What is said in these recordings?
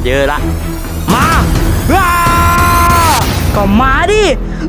เยอะละมาก็มาดิ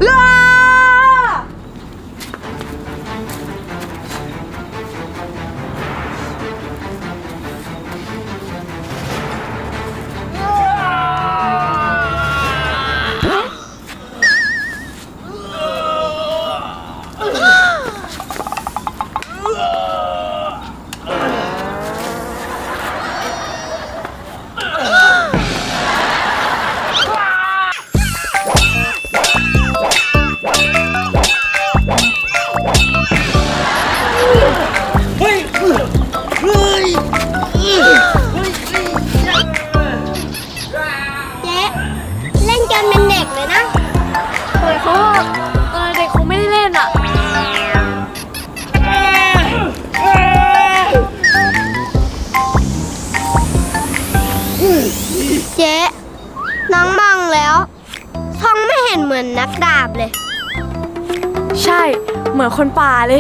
เจ๊น้องมองแล้วท้องไม่เห็นเหมือนนักดาบเลยใช่เหมือนคนป่าเลย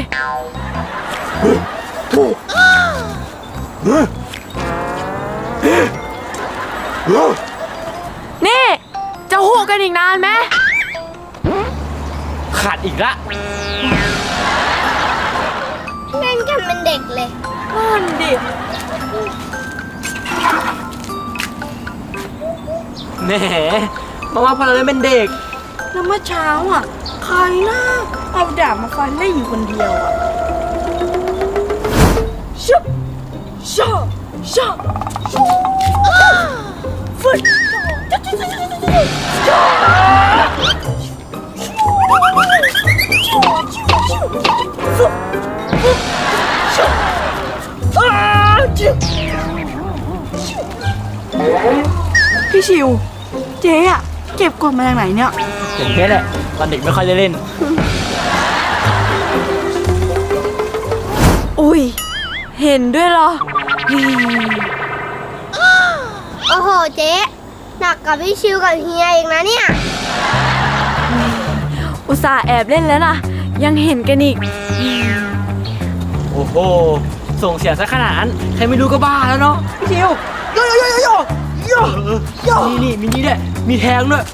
นี่จะหูกันอีกนานไหมขาดอีกละเล่นกันเป็นเด็กเลยนั่นดิแหมมาว่าพอเราเล่นเป็นเด็กแล้วเมื่อเช้าอ่ะใครนะเอาดาบมาฟันเล่นอยู่คนเดียวอ่ะชุบชุบชุบฟึดพี่ชิวเจ๊อะเก็บกดมาจากไหนเนี่ยอย่างนี้แหละตอนเด็กไม่ค่อยได้เล่นอุ้ยเห็นด้วยเหรอโอ้โหเจ๊หนักกับพี่ชิวกับเฮียเองนะเนี่ยอุตส่าห์แอบเล่นแล้วนะยังเห็นกันอีกโอ้โหส่งเสียงซะขนาดนั้นใครไม่รู้ก็บ้าแล้วเนาะพี่ชิวโยโยโยโยโยโยโยนี่มีนี่ด้วยมีแทงด้วย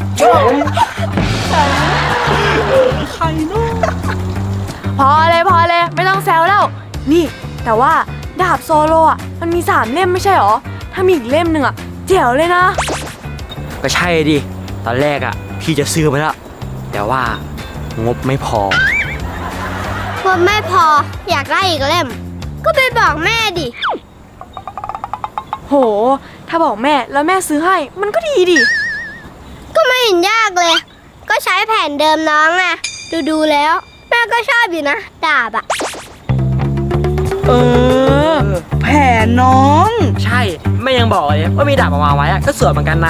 ใครเนาะพอเลยไม่ต้องแซวแล้วนี่แต่ว่าดาบโซโลอ่ะมันมี3เล่มไม่ใช่หรอถ้ามีอีกเล่มหนึ่งอ่ะเจ๋วเลยนะก็ใช่ดิตอนแรกอ่ะพี่จะซื้อไปแล้วแต่ว่างบไม่พองบไม่พออยากได้อีกเล่มก็ไปบอกแม่ดิโหถ้าบอกแม่แล้วแม่ซื้อให้มันก็ดีดิก็ไม่เห็นยากเลยก็ใช้แผ่นเดิมน้องไงดูแล้วแม่ก็ชอบอยู่นะดาบอะแผ่นน้องใช่แม่ยังบอกเลยว่ามีดาบออกมาไว้ก็สวยเหมือนกันนะ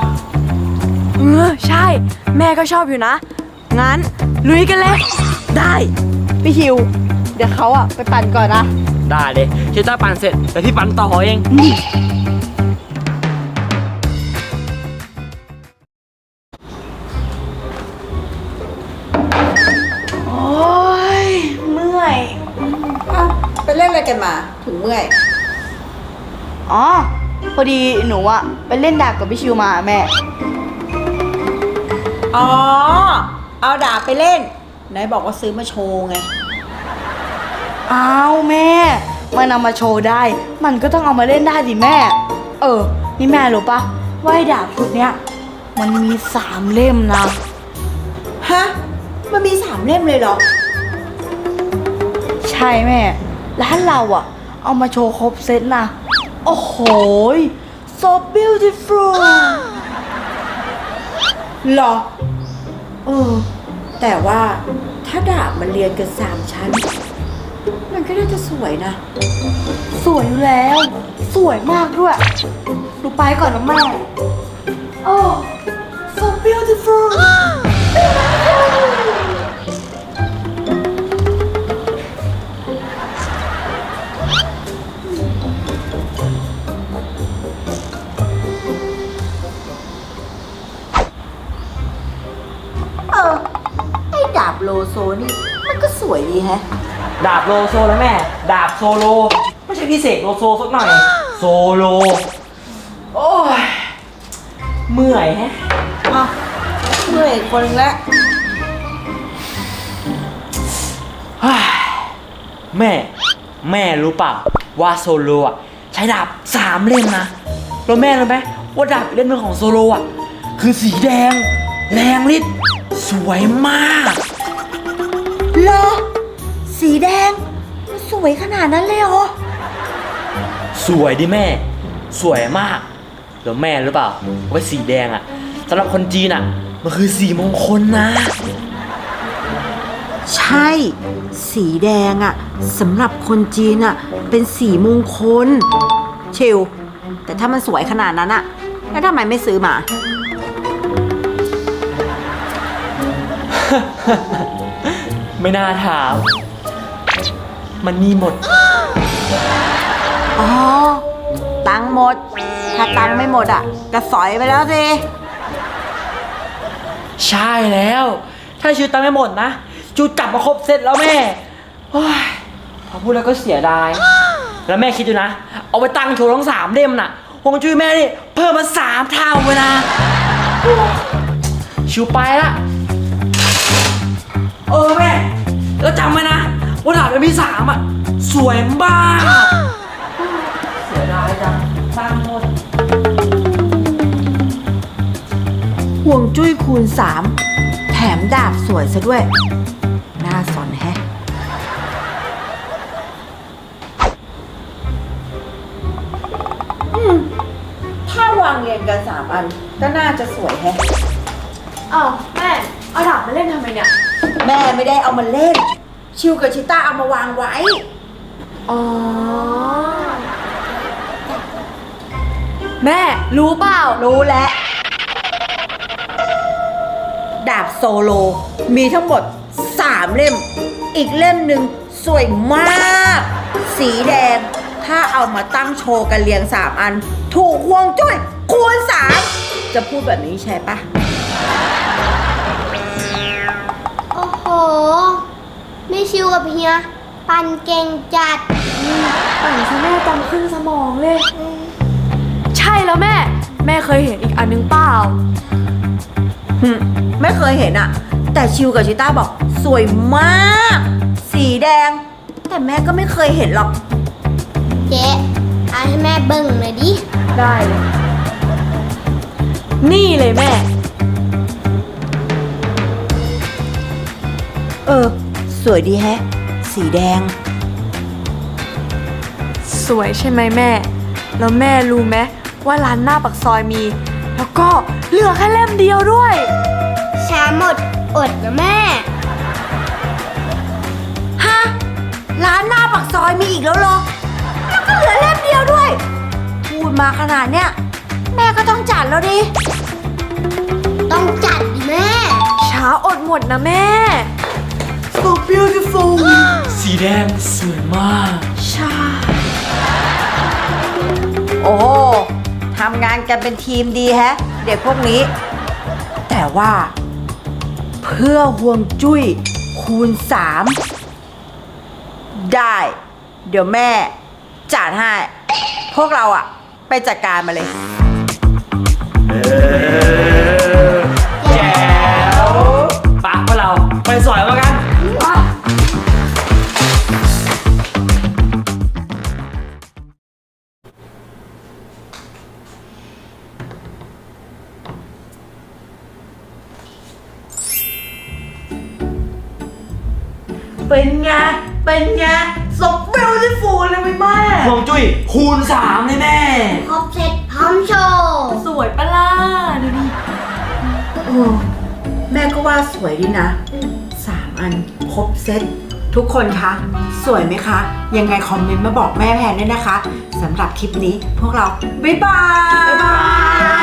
ใช่แม่ก็ชอบอยู่นะงั้นลุยกันเลยได้พี่ฮิวเดี๋ยวเขาอะไปปั่นก่อนนะได้เลยเจ้าปั่นเสร็จแต่พี่ปั่นต่อเองโอ้ยเมื่อยไปเล่นอะไรกันมาถึงเมื่อยอ๋อพอดีหนูอะไปเล่นดาบกับพี่ชิวมาแม่อ๋อเอาดาบไปเล่นไหนบอกว่าซื้อมาโชว์ไงอ้าวแม่มันนำมาโชว์ได้มันก็ต้องเอามาเล่นได้สิแม่นี่แม่รู้ปะว่าดาบชุดเนี้ยมันมี3เล่มนะฮะมันมี3เล่มเลยเหรอใช่แม่ร้านเราอะเอามาโชว์ครบเซตนะโอ้โห so beautiful หรอแต่ว่าถ้าดาบมันเรียงกัน3ชั้นมันก็น่าจะสวยนะสวยอยู่แล้วสวยมากด้วยดูไปก่อนนะแม่so beautiful ไอ้ดาบโลโซนี่มันก็สวยดีแฮะดาบโลโซแล้วแม่ดาบโซโลไม่ใช่พิเศษโลโซสักหน่อยโซโลโอ้ยเมื่อยแฮะอ่ะเมื่อยคนนึงแล้วเฮ้ยแม่รู้เปล่าว่าโซโลอ่ะใช้ดาบ3 เล่มนะแล้วแม่รู้ไหมว่าดาบอีกเล่มหนึงของโซโลอ่ะคือสีแดงแรงฤทธิ์สวยมากเหรอ สีแดงมันสวยขนาดนั้นเลยเหรอสวยดิแม่สวยมากแล้วแม่รู้เปล่าว่าสีแดงอ่ะสำหรับคนจีนอ่ะมันคือสีมงคลนะใช่ สีแดงอะสำหรับคนจีนอะเป็นสีมงคลชิลแต่ถ้ามันสวยขนาดนั้นอะแล้วทำไมไม่ซื้อมาไม่น่าถามมันมีหมดอ๋อ ตังค์หมด ถ้าตังค์ไม่หมดอะก็สอยไปแล้วสิใช่แล้ว ถ้าชื่อตังไม่หมดนะจูจับมาครบเสร็จแล้วแม่โอ้ยพอพูดแล้วก็เสียดาย แล้วแม่คิดดูนะ เอาไปตั้งโชว์ทั้ง3 เล่มน่ะฮวงจุ้ยแม่นี่เพิ่มมา3 เท่าเลยนะโอ้ชิวไปละแม่แล้วจำไว้นะว่าดาบเล่มที่3อ่ะสวยมากเสียดายจังตั้งหมดห่วงจุ้ยคูณ 3 แถมดาบสวยซะด้วย น่าสนแฮะ ถ้าวางเรียงกัน 3 อัน ก็น่าจะสวยแฮะอ้าวแม่ เอาดาบมาเล่นทำไมเนี่ยแม่ไม่ได้เอามาเล่น ชิวกับชิต้าเอามาวางไว้อ๋อ แม่รู้เปล่ารู้แล้ว ดาบโซโลมีทั้งหมด 3 เล่ม อีกเล่มหนึ่งสวยมาก สีแดง ถ้าเอามาตั้งโชว์กันเรียง 3 อัน ถูกห่วงจุ้ยคูณ 3 จะพูดแบบนี้ใช่ปะโอ้โหไม่ชิวกับเฮียปั่นเก่งจัดปั่นซะแม่จำขึ้นสมองเลย ใช่แล้วแม่ แม่เคยเห็นอีกอันนึงเปล่าไม่เคยเห็นอะแต่ชิวกับชิต้าบอกสวยมาก สีแดง แต่แม่ก็ไม่เคยเห็นหรอกเจ๊เอาให้แม่เบิ่งหน่อยดิได้เลย นี่เลยแม่สวยดีแฮะ สีแดงสวยใช่ไหมแม่ แล้วแม่รู้ไหมว่าร้านหน้าปากซอยมี แล้วก็เหลือแค่เล่มเดียวด้วยช้าหมดอดนะแม่ฮะ ร้านหน้าปากซอยมีอีกแล้วเหรอ แล้วก็เหลือเล่มเดียวด้วย พูดมาขนาดเนี้ยแม่ก็ต้องจัดแล้วดิต้องจัดดิแม่ช้าอดหมดนะแม่ so beautiful สีแดงสวยมากใช่ โอ้โหทำงานกันเป็นทีมดีแฮะ เด็กพวกนี้ แต่ว่า เพื่อห่วงจุ้ยคูณ 3 ได้ เดี๋ยวแม่จัดให้ พวกเราอะไปจัดการมาเลยแจ๋วปะพวกเราไปสอยมากันเป็นไง เป็นไง so beautiful เลยไหมแม่ฮวงจุ้ยคูณ 3เลยแม่ครบเสร็จพร้อมโชว์สวยปะล่ะดูดิโอ้แม่ก็ว่าสวยดีนะ 3 อันครบเซตทุกคนคะ สวยไหมคะ ยังไงคอมเมนต์มาบอกแม่แพนด้วยนะคะสำหรับคลิปนี้พวกเรา บ๊ายบาย